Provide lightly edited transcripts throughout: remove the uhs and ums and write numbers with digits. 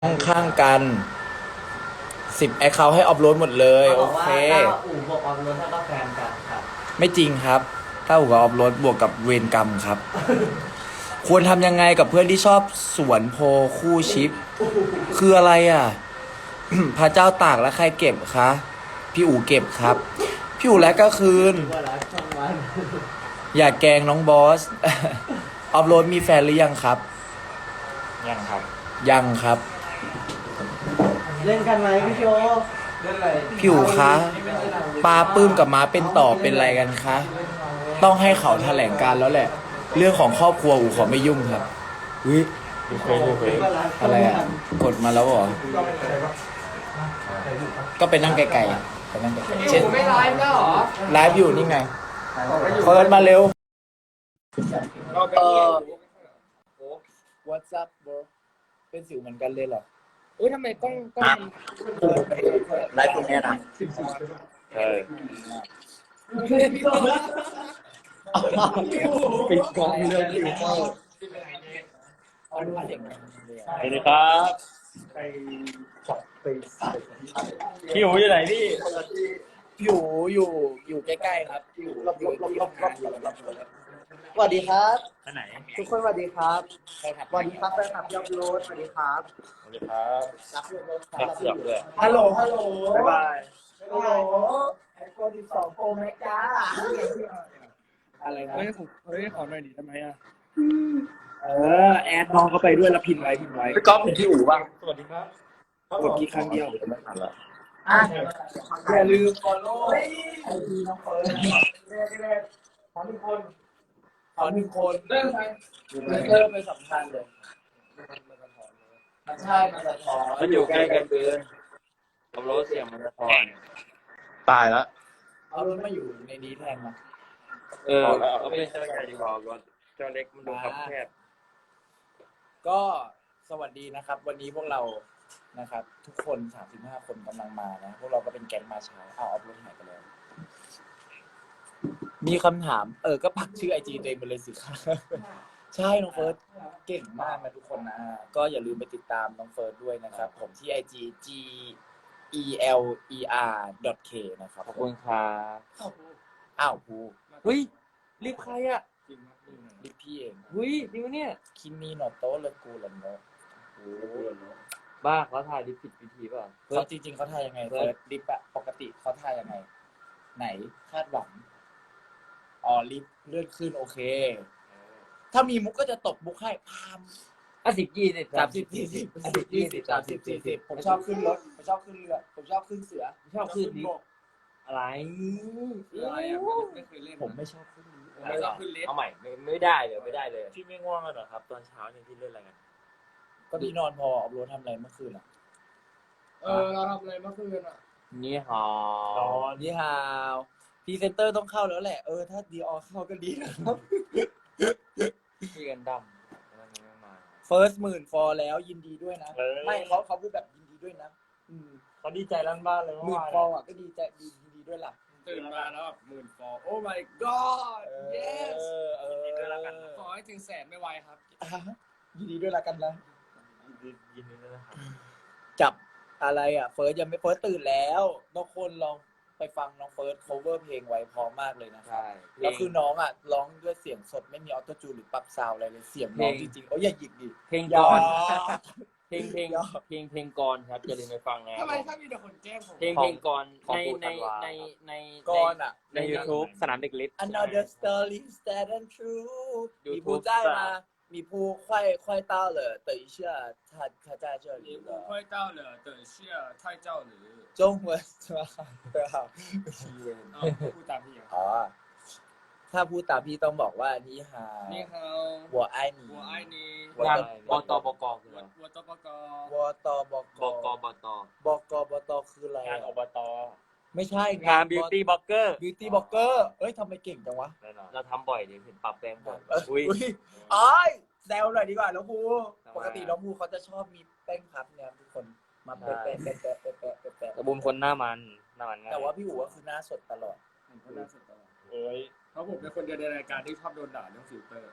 ข้างๆกัน10แอคเคาท์ให้ออฟโหลดหมดเลยโอเคถ้าอู่บวกออฟโรดถ้าก็แฟนกันครับไม่จริงครับถ้าหัวออฟโหลดบวกกับเวรกรรมครับ ควรทำยังไงกับเพื่อนที่ชอบสวนโพคู่ชิป คืออะไรอ่ะ พระเจ้าตากแล้วใครเก็บคะพี่อู๋เก็บครับ พี่อู๋และก็คืนว่ารักช่องวันอย่าแกล้งน้องบอส ออฟโหลดมีแฟนหรือยังครับยังครับยังครับเล่นกันไหมพี่โจเล่นอะไรพี่อู๋คะปลาปื้มกับม้าเป็นต่อเป็นอะไรกันคะ ต้องให้เขาแถลงการแล้วแหละ เรื่องของครอบครัวอู๋ขอไม่ยุ่งครับวิอะไรอ่ะ กดมาแล้วเหรอ ก็ไปนั่งไกลๆไปนั่งไกลๆเช่นไม่ไลฟ์แล้วเหรอไลฟ์อยู่นี่ไงเฟิร์สมาเร็วWhat's up bro เป็นสิวเหมือนกันเลยเหรออุ้ยทำไมกล้องไลฟ์ตรงนี้นะปิดกล้องเรื่องฟิลเตอร์สวัสดีครับพี่หูอยู่ไหนพี่อยู่ใกล้ๆครับอยู่ที่ทำงานอยู่สวัสดีครับท่านไหนทุกคนสวัสดีครับใครขับสวัสดีครับแฟนคลับยอดโรดสวัสดีครับสวัสดีครับรักยอดโรดครัรับบ เสือกด้วยฮัลโหลบ๊ายบายฮัลโหลไอโฟน12 Pro Max จ้าอะไรนะเฮ้ยขอหน่อยดิทำไมอ่ะแอดน้องเข้าไปด้วยแล้วพิมพ์ไว้พี่ก๊อฟเป็นที่อู่บ้างสวัสดีครับกดกี่ครั้งเดียวอ่ะอย่าลืม follow ไอจีน้องเฟิร์นขอหนึ่งคนเริ่มเป็นสำคัญเลยมันใช่มันสะท้อนมันอยู่ใกล้กันเกินผมรู้เสียงมันสะท้อนตายแล้วเอารถมาอยู่ในนี้แทนมาเอาเป็นเจ้าใหญ่ดีกว่ารถเจ้าเล็กมันดูคับแคบก็สวัสดีนะครับ วันนี้พวกเรานะครับ ทุกคน35คนกำลังมานะพวกเราก็เป็นแก๊งมาเช้าเอาออฟรถหายไปแล้วมีคำถามก็ปักชื่อไอจีตัวเองไปเลยสิครับ ใช่น้องเฟิร์สเก่งมากนะทุกคนนะก็อย่าลืมไปติดตามน้องเฟิร์สด้วยนะครับ ผมที่ IG GELER.K นะครับขอบคุณครับอ้าวภูเฮ้ยรีบใครอ่ะดิพี่เองเฮ้ยจริงปะเนี่ยคิมมี่โนโตะเลกูลันโนบ้าเขาถ่ายดิผิดวิธีเปล่าเขาจริงๆเขาทายยังไงเฟิร์สดิปอะปกติเขาทายยังไง ไหนคาดหวังอ๋อลิฟต์เลื่อนขึ้นโอเค ถ้ามีมุกก็จะตบมุกให้พาม 10 20 30 40 10 20 30 40ผมชอบขึ้นรถผมชอบขึ้นเรือผมชอบขึ้นเสือชอบขึ้นลิฟบต์กอะไรอะไรอ่ะไม่เคยเล่นผมไม่ชอบขึ้นลิฟต์ไม่ชอบขึ้นลิฟต์เอาใหม่ไม่ได้เลย พี่ไม่ง่วงกันเหรอครับ ตอนเช้าเนี่ยพี่เล่นอะไรกันก็พี่นอนพอออฟโรดทำอะไรเมื่อคืนอ่ะเราทำอะไรเมื่อคืนอ่ะนี่ฮะนี่ฮาวพรีเซนเตอร์ต้องเข้าแล้วแหละถ้าดีออเข้าก็ดีนะครับพี่กันดำวันนี้ไม่มา First 10,000 ฟอร์แล้วยินดีด้วยนะเออไม่เขาพูดแบบยินดีด้วยนะเขาดีใจลั่นบ้านเลยหเมื่มื่อน วานฟอร์อ่ะก็ดีใจยินดีด้วยล่ะตื่นมาแล้วแบบ10,000 ฟอลโอ้ my god เอ yes อยินดีด้วยแล้วกันนะขอให้ถึง100,000ไม่ไวครับยินดีด้วยละกันนะยินดีด้วยนะครับจับอะไรอ่ะเฟิร์สยังไม่เฟิร์สตื่นแล้วทุกคนลองไปฟังน้องเฟิร์ส cover เพลงไว้พร้อมมากเลยนะครับใช่แล้วคือน้องอ่ะร้องด้วยเสียงสดไม่มีออโต้จูนหรือปรับซาวด์อะไรเลยเสียงน้องจริงๆอย่าหยิกดิเพลงอย่ากรเพลงกรครับอย่าลืมไปฟังนะทำไมถ้ามีแต่คนแกล้งผมเพลงกรในก่อนอ่ะใน YouTube สนามเด็กเล็ก Another story sad and true มีผู้ YouTube ได้มามีผู้快到了等一下他在这里你不了快到了等下太照了中文是吧对好พูดตามพี่อ่ะอ๋อถ้าพูดตามพี่ต้องบอกว่านี่ฮานี่เขา我爱你我爱你งานบตบกคืออะไร我的报告วตบกบกบตบกบตคืออะไรงานอบตไม่ใช่งานบิวตี้บล็อกเกอร์บิวตี้บล็อกเกอร์เอ้ยทำไมเก่งจังวะเราทำบ่อยดิเห็นปรับแปลงบ่อยอุ้ยแซวหน่อยดีกว่าน้องภูปกติน้องภูเขาจะชอบมีแป้งพับเนี่ยทุกคนมาแปะแต่บุญคนหน้ามันง่ายแต่ว่าพี่อู๋ก็คือหน้าสดตลอดผมก็น่าสนใจเอ้ยเพราะผมเป็นคนเดียวในรายการที่ชอบโดนด่าเรื่องฟิลเตอร์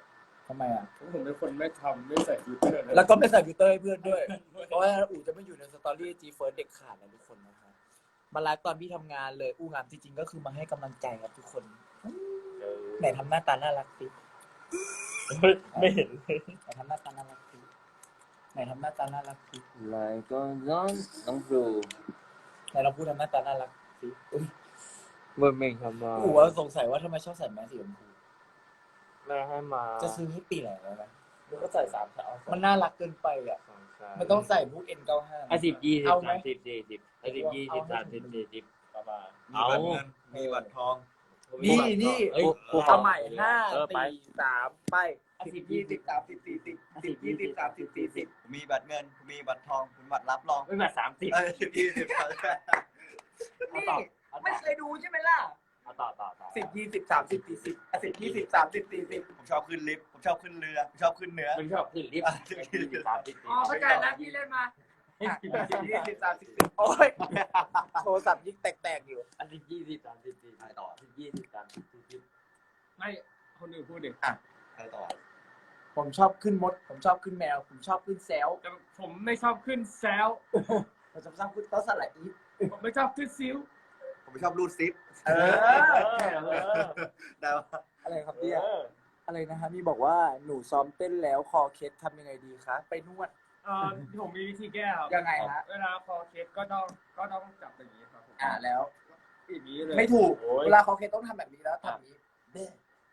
ทำไมอ่ะผมเป็นคนไม่ใส่ฟิลเตอร์เลยแล้วก็ไม่ใส่ฟิลเตอร์ให้เพื่อนด้วย เพราะว่าอู๋จะไม่อยู่ในสตอรี่จีเฟิร์สเด็กขาดนะทุกคนนะครับมาไลฟ์ตอนพี่ทำงานเลยอู้งานจริงๆก็คือมาให้กำลังใจครับทุกคนไหนทำหน้าตาน่ารักสิไม่เห็นเลยไหนทำหน้าตาน่ารักสิไหนทำหน้าตาน่ารักสิไลน์ก็ย้อนน้องครูไหนลองพูดทำหน้าตาน่ารักสิอุ๊ยเมื่อเม่งทำมาอู๋ว่าสงสัยว่าทำไมชอบใส่แมสสีชมพูแม่ให้มาจะซื้อให้ปีไหนแล้วนะหรือก็ใส่3 ชั้นมันน่ารักเกินไปอ่ะ มันต้องใส่พวก N95 10 20 เอาไหม 30 40 10 20 30 40ประมาณมีบัตรเงินมีบัตรทองนี่นี่เอ้ยเอาใหม่5 เออไป 4 3ไป10 20 30 40 10 20 30 40 มีบัตรเงิน มีบัตรทองมีบัตรรับรองไม่แบบ30 10 20 นี่ไม่เคยดูใช่ไหมล่ะเอาต่อ 10 20 30 40 10 20 30 40 ผมชอบขึ้นลิฟต์ ผมชอบขึ้นเรือ ผมชอบขึ้นเหนือมันชอบขึ้นลิฟต์10 20 30 อ๋อเข้าใจแล้วพี่เล่นมา 10 20 30 40โอ้ยโทรศัพท์ยิ่งแตกๆอยู่ 10 20 30 40 ใครต่อ 10 20 30 40 ไม่คนอื่นพูดดิใครต่อผมชอบขึ้นมด ผมชอบขึ้นแมว ผมชอบขึ้นแซวแต่ผมไม่ชอบขึ้นแซวผมชอบขึ้นโต๊ะสลัดอีฟผมไม่ชอบขึ้นซิวผมไม่ชอบรูดซิปเออได้ปะอะไรครับเนี่ยอะไรนะฮะมีบอกว่าหนูซ้อมเต้นแล้วคอเคล็ดทำยังไงดีคะไปนวดผมมีวิธีแก้ครับยังไงฮะเวลาคอเคสก็ต้องจับอย่างนี้ครับผมแล้วอย่างนี้เลยไม่ถูกโอ้ยเวลาคอเคล็ดต้องทำแบบนี้แล้วทำแบบนี้เด้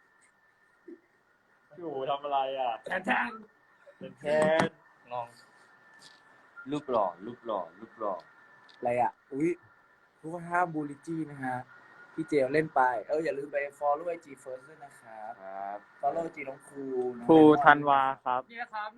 อยู่ทำอะไรอ่ะแทนเป็นแค่งองรูปหล่ออะไรอ่ะอุ้ยทุกคนห้ามบูลลิจี้นะฮะพี่เจลเล่นไปอย่าลืมไป follow IG First ด้วยนะครับครับ follow IG น้องครูน้องครูไดมอนด์ธันวาครับๆเนี่ยครับ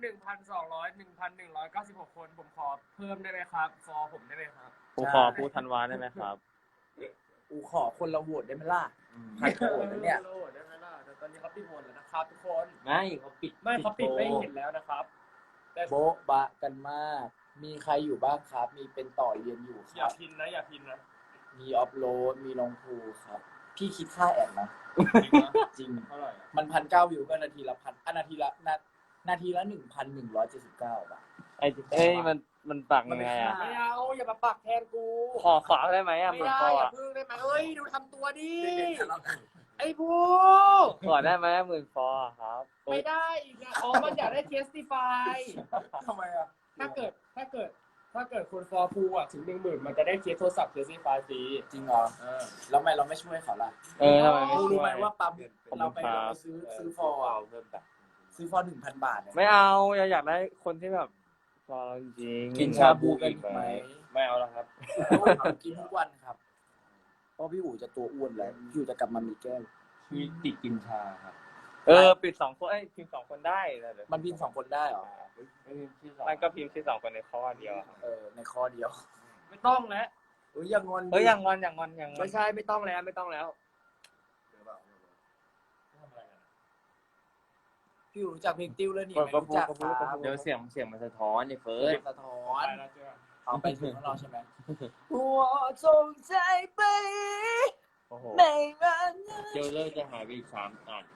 1,196 คน ผมขอเพิ่มได้ไหมครับฟอร์ผมได้ไหมครับครูขอครูธันวาได้ไหมครับอูขอคนละโหวตได้ไหมล่ะใครโหวตนะเนี่ยโหวตได้ไหมล่ะแต่ตอนนี้เขาปิดโหวตแล้วนะครับทุกคนไม่เขาปิดไม่เขาปิดไม่เห็นแล้วนะครับ แต่โบ๊ะบะกันมาก มีใครอยู่บ้างครับ มีเป็นต่อเรียนอยู่คอย่ารับพินนะอย่าพินนะมีออฟโหลด มีลงครูครับ พี่คิดค่าแอดนะ จริงเท่าไหร่อะมัน1,900 วิวก็นาทีละพันนาทีละ1,119 บาทเอ้ยมันปักยังไงอ่ะไม่เอาอย่ามาปักแทนกูขอได้ไหมอ่ะไม่เหมือนได้คออย่าอ่ะพึ่งได้ไหมเอ้ยดูทำตัวดิไอ้บูขอได้ไหมหมื่นฟอร์ครับไม่ได้อีกนะอ๋อมันอยากได้ testify ทำไมอ่ะถ้าเกิดคนฟอร์พูอ่ะถึง10,000มันจะได้เคสโทรศัพท์ testify ฟรีจริงเหรอแล้วทำไมเราไม่ช่วยเขาล่ะทำไมไม่รู้ช่วไหมยว่าปั๊มขอบเราคุณไปครับซื้อฟอร์อะเพิ่มแบบซื้อฟอร์ 1,000 บาทเนี่ยไม่เอาอยากได้คนที่แบบฟอร์จริงกินชาบูกันอีกไหมไม่เอาแล้วครับกินทุกวันครับ เพราะพี่อู๋จะตัวอ้วนแล้วพี่อู๋จะกลับมามีแก้มมีติดกินชาครับปิด2 คนพิมพ์2 คนได้เลยมันพิมพ์2 คนได้เหรอมันก็พิมพ์ที่2 คนในข้อเดียวครับในข้อเดียวไม่ต้องแล้วอย่างงอนอย่างงอนไม่ใช่ไม่ต้องแล้วพี่อู๋รู้จักเพลงติ้วแล้วนี่ก็ไม่รู้จักครับเดี๋ยวเสียงมันสะท้อนนี่เฟิร์สสะท้อนไปแล้วเจอเอาไปถึงข้างนอกใช่ไหมหัวจงใจไปโอ้โหในวันเจลเลอร์จะหายไปอีก3 อัน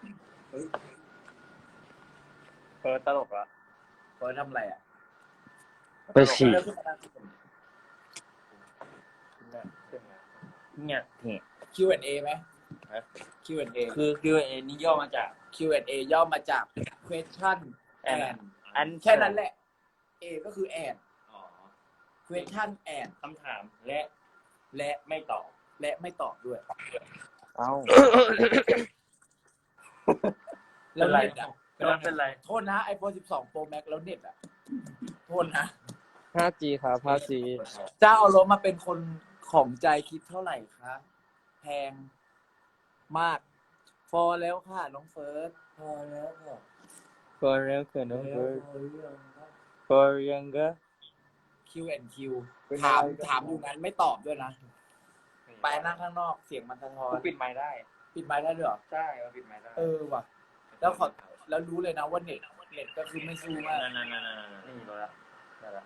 เฟิร์สตลกละเฟิร์สทำอะไรอ่ะไปฉี่เริ่มขึ้นมานั่งที่ผมเนี่ย Q&A ไหม Q&A คือ Q&A นี่ย่อมาจาก Q&A ย่อมาจาก question and อันแค่นั้นแหละ A ก็คือ and question and คำถามและไม่ตอบและไม่ตอบด้วยเอ้าแล้วเน็ตอ่ะเป็นไรโทษนะ iPhone 12 Pro Max แล้วเน็ตอ่ะ โทษนะ 5G ครับ 5G เจ้าเอารถมาเป็นคนของใจคิดเท่าไหร่คะแพงมาก ฟอร์แล้วค่ะ น้องเฟิร์สพอแล้วค่ะ For real คือน้องเฟิร์ส For younger Q&Q ถามอยู่นั้นไม่ตอบด้วยนะ ไปนั่งข้างนอกเสียงมันสะท้อนปิดไมค์ได้ปิดไมค์ได้ด้วยเหรอใช่ปิดไมค์ได้ว่ะ แล้วรู้เลยนะว่าเน็ตก็คือไม่สู้มากนั่นนี่รู้แล้วได้แล้ว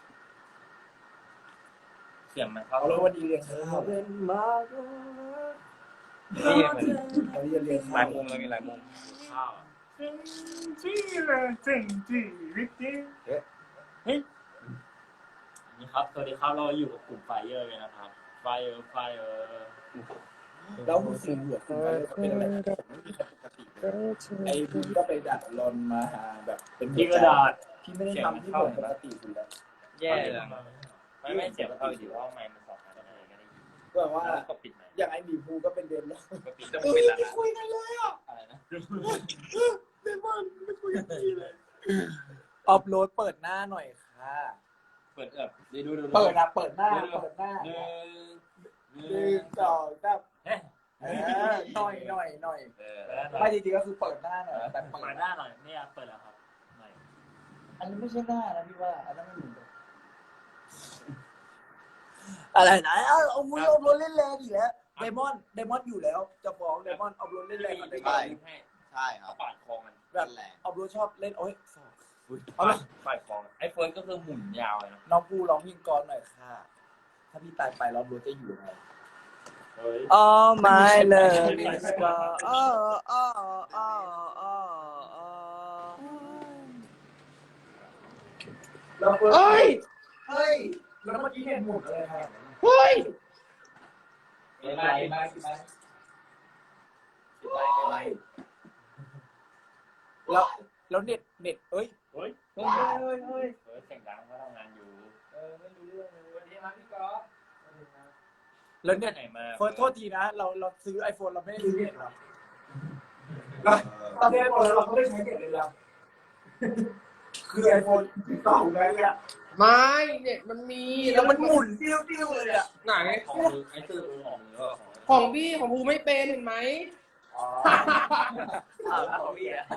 เสียงมันเข้าเอาเลยวันดีเรียนข้าวนี่เหมือนวันนี้จะเรียนหลาข้ายว มุมแล้วมีหลายมุมข้าวที่เลยจริงจริงวิกกี้เฮ้ยนี่ครับสวัสดีครับเราอยู่กับกลุ่มไฟเออร์เลยนะครับไฟเออร์แล้วคุณสิงห์หัวคุณไปเป็นอะไรผมไม่มีใครปกติเลยไอ้พี่ก็ไปดัดรอนมาหาแบบเป็นที่กระดาษพี่ไม่ได้ทำที่เหมือนปกติคุณแล้วแย่เลยไม่เสียงเข้าอยู่เพราะไมค์มันสองอันอะไรก็ได้ยินก็ว่าแล้วก็ปิดไมค์อย่างไอ้หมีภูก็เป็นเดนแล้วก็ปิดจะปิดแล้วนะคุยกันเลยอ่ะอะไรนะเดมอนไม่คุยกันดีเลยออฟโหลดเปิดหน้าหน่อยค่ะเปิดดูเปิดนะเปิดหน้าเปิดหน้าหนึ่หนึ่งสองสามหน่อยไม่จริงๆก็คือเปิดหน้าหน่อยแต่เปิเปิดดหน้าหน่อยเนี่ยเปิดแล้วครับหน่อยอันนี้ไม่ใช่หน้านะพี่ว่าอันนั้นไม่เหมือนกันอะไรนะเอามือเอารถเล่นแรงอีกแล้วไดมอนอยู่แล้วจะฟ้องไดมอนเอารถเล่นแรงกับไดมอนใช่ครัเขาบปาดคอมันแบบแหละเอารถชอบเล่นโอ้ยปาดคอไอ้เฟิร์นก็คือหมุนยาวเลยนะน้องปูร้องเพลงกลอนหน่อยค่ะ ถ้าพี่ตายไปแล้วรถจะอยู่ยังไง All my love is gone เฮ้ยแล้วเมื่อกี้เห็นหมุนอะไรครับไปแล้วเน็ตเอ้ยเฟิร์นเสียงดังเขาทำงานอยู่ไม่รู้เรื่องเลยวันนี้มาพี่ก๊อฟแล้วเน็ตไหนมาเฟิร์สโทษทีนะเราซื้อ iPhone เราไม่ได้ซื้อเน็ตหรอตอนนี้ iPhone เราไม่ได้ใช้เน็ตเลยหรอคือ iPhone ต่อหูได้เลยอะไม่เนี่ยมันมีแล้วมันหมุนติ้วเลยอะไหนของมือไอ้ตื้อของมือของพี่ของภูไม่เป็นเห็นไหมของพี่อะ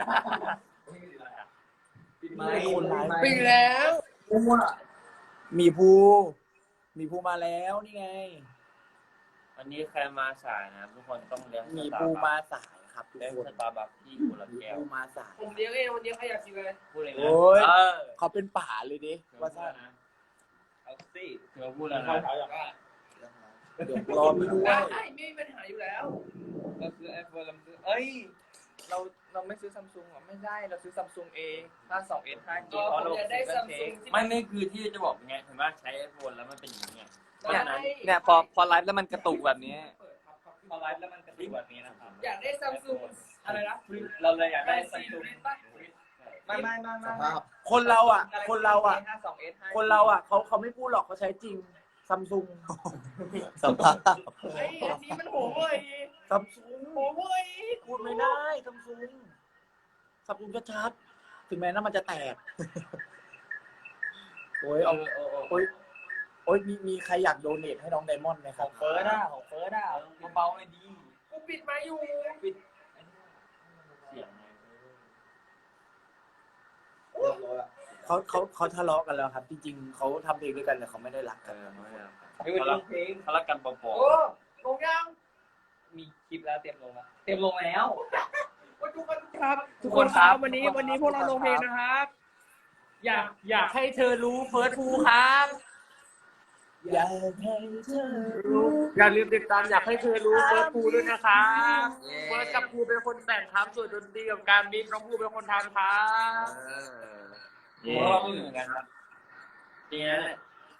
ไม่คนร้ายปิดแล้วมีภูมาแล้วนี่ไงวันนี้ใครมาสายนะทุกคนต้องเลี้ยงมีภูมาสายครับทุกเลี้ยงคนสตาร์บัคที่กุหลาบมีแก้วภูมาสายผมเลี้ยงเองวันเดียวใครอยากกินเลยพูดเลยนะโอ้ยเออเขาเป็นป่าเลยดิว่าซะนะเอาสิเธอพูดแล้วนะเดี๋ยวรอพี่ด้วยได้ไม่มีปัญหาอยู่แล้วเราซื้อไอโฟนเราซื้อเอ้ยเราไม่ซื้อซัมซุงหรอไม่ได้เราซื้อซัมซุงเอง52s 5G เพราะเราไม่คือที่จะบอกไงเห็นว่าใช้ไอโฟนแล้วมันเป็นอย่างนี้เนี่ยพอไลฟ์แล้วมันกระตุกแบบนี้พอไลฟ์แล้วมันกระตุกแบบนี้นะครับอยากได้ซัมซุงอะไรนะเราเลยอยากได้ซัมซุง ไม่สภาพคนเราอ่ะ 52s เขาไม่พูดหรอกเขาใช้จริงซัมซุงสภาพไอ้ที่มันโหเว้ยซัมซุงโหเว้ยพูดไม่ได้ซัมซุงชัดๆถึงแม้น้ำมันจะแตก โอ้ยเอาโอ้ยมีใครอยากโดเนทให้น้องไดมอนด์ไหมครับของเฟิร์สเบาๆเลยดีกูปิดมาอยู่เสียงเขาทะเลาะกันแล้วครับ จริงๆเขาทำเพลงด้วยกันแต่เขาไม่ได้รักกันเขารักกันปอโอ้ลงยังๆมีคลิปแล้วเตรียมลงแล้วทุกคนครับ ทุกคนครับวันนี้พวกเราลงเพลงนะครับ อยากให้เธอรู้เฟิร์สภูครับอยากให้เธอรู้อย่าลืมติดตามอยากให้เธอรู้เฟิร์สภูด้วยนะครับเฟิร์สกับภูเป็นคนแต่งครับส่วนดนตรีกับการบีทน้องภูเป็นคนทำครับเพราะว่าไม่เหมือนกันครับจริงนะ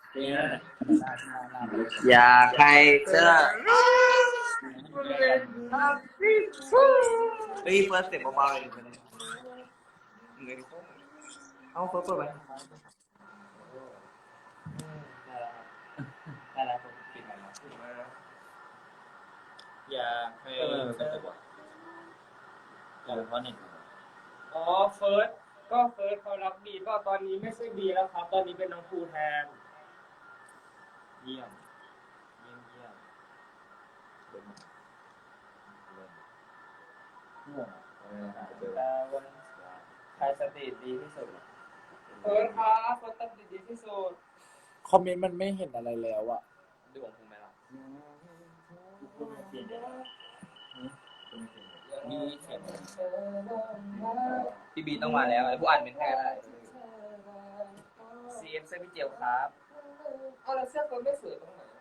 อยากให้เธอเฮ้ยเฟิร์สเสียงเบาๆเลยเอาเฟิร์สเปิดไปได้แล้วผมปิดไปแล้วอยากให้เพราะหนึ่งอ๋อเฟิร์สเขารับดีก็ตอนนี้ไม่ใช่ดีแล้วครับ ตอนนี้เป็นน้องภูแทนเยี่ยมใครสติดีที่สุดเฟิร์สครับเฟิร์สตัดดีที่สุดคอมเมนต์มันไม่เห็นอะไรแล้วอะดูของคุณไหมล่ะมีเสียงพี่บีต้องมาแล้วผู้อ่านเป็นแท้ได้ CM เสื้อพี่เจียวครับเอาแล้วเสื้อเฟิร์สไม่สวยตรงไหน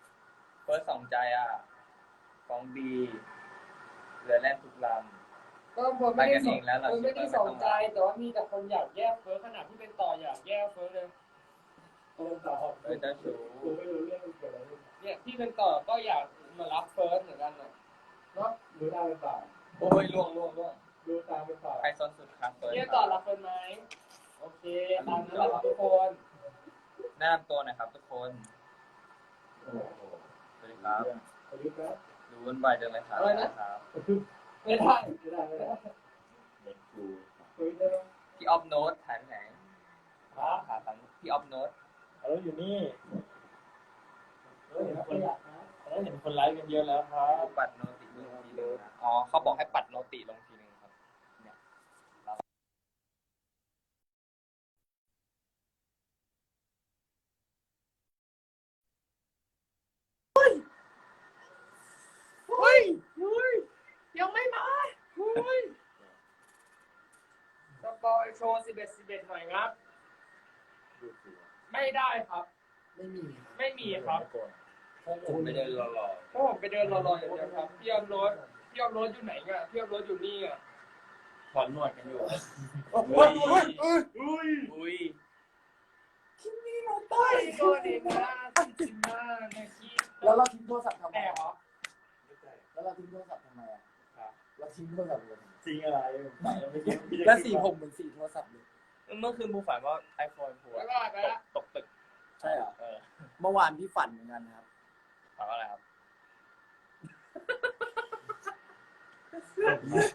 เฟิร์สสองใจอ่ะของบีเรือแล่นทุกลำก็เฟิร์สไปไม่ได้กันสเอน งแล้วเราเฟิร์สไม่ได้สนใจแต่ว่ามีแต่คนอยากแยกเฟิร์สขนาดที่เป็นต่ออยากแยกเฟิร์สเลยเจ้าชู้เนี่ยที่เป็นต่อก็อยากมารับเฟิร์สเหมือนกันน่ะโอ้ยล่วงใครซ้อนสุดครับเฟิร์สเนี่ยต่อรับเฟิร์สไหมโอเคตามนั้นแหละครับทุกคนแนะนำตัวหน่อยครับทุกคนสวัสดีครับดูวุ่นวายจังเลยครับอะไรนะครับไม่ได้พี่ออฟโน้ตหายไปไหนหาตังค์พี่ออฟโน้ตเราอยู่นี่เราเห็นคนไลฟ์กันเยอะแล้วครับปัดโนติลงทีนึงนะอ๋อเขาบอกให้ปัดโนติลงทีนึงครับเนี่ยเฮ้ยยังไม่มาเฮ้ยสปอยโชว์11หน่อยครับ ไม่ได้ครับ ไม่มีครับผมไม่ได้รอเพราะผมไปเดินรอๆอย่างเดียวครับพี่ออมรถอยู่ไหนอ่ะพี่ออมรถอยู่นี่อ่ะถอนหนวดกันอยู่อุ้ยโดนดีนะจริงมากนะคิดแล้วเราทิ้งโทรศัพท์ทำไมแต่เหรอแล้วเราทิ้งโทรศัพท์ทำไมอ่ะเราทิ้งโทรศัพท์เลยจริงอะไรเราไม่คิดแล้วสีผมเหมือนสีโทรศัพท์เลยเมื่อคืนบูฝันว่า iPhone พูแล้วก็ไปละตกตึกใช่เหรอเออเมื่อวานพี่ฝันเหมือนกันครับถามว่าอะไรครับ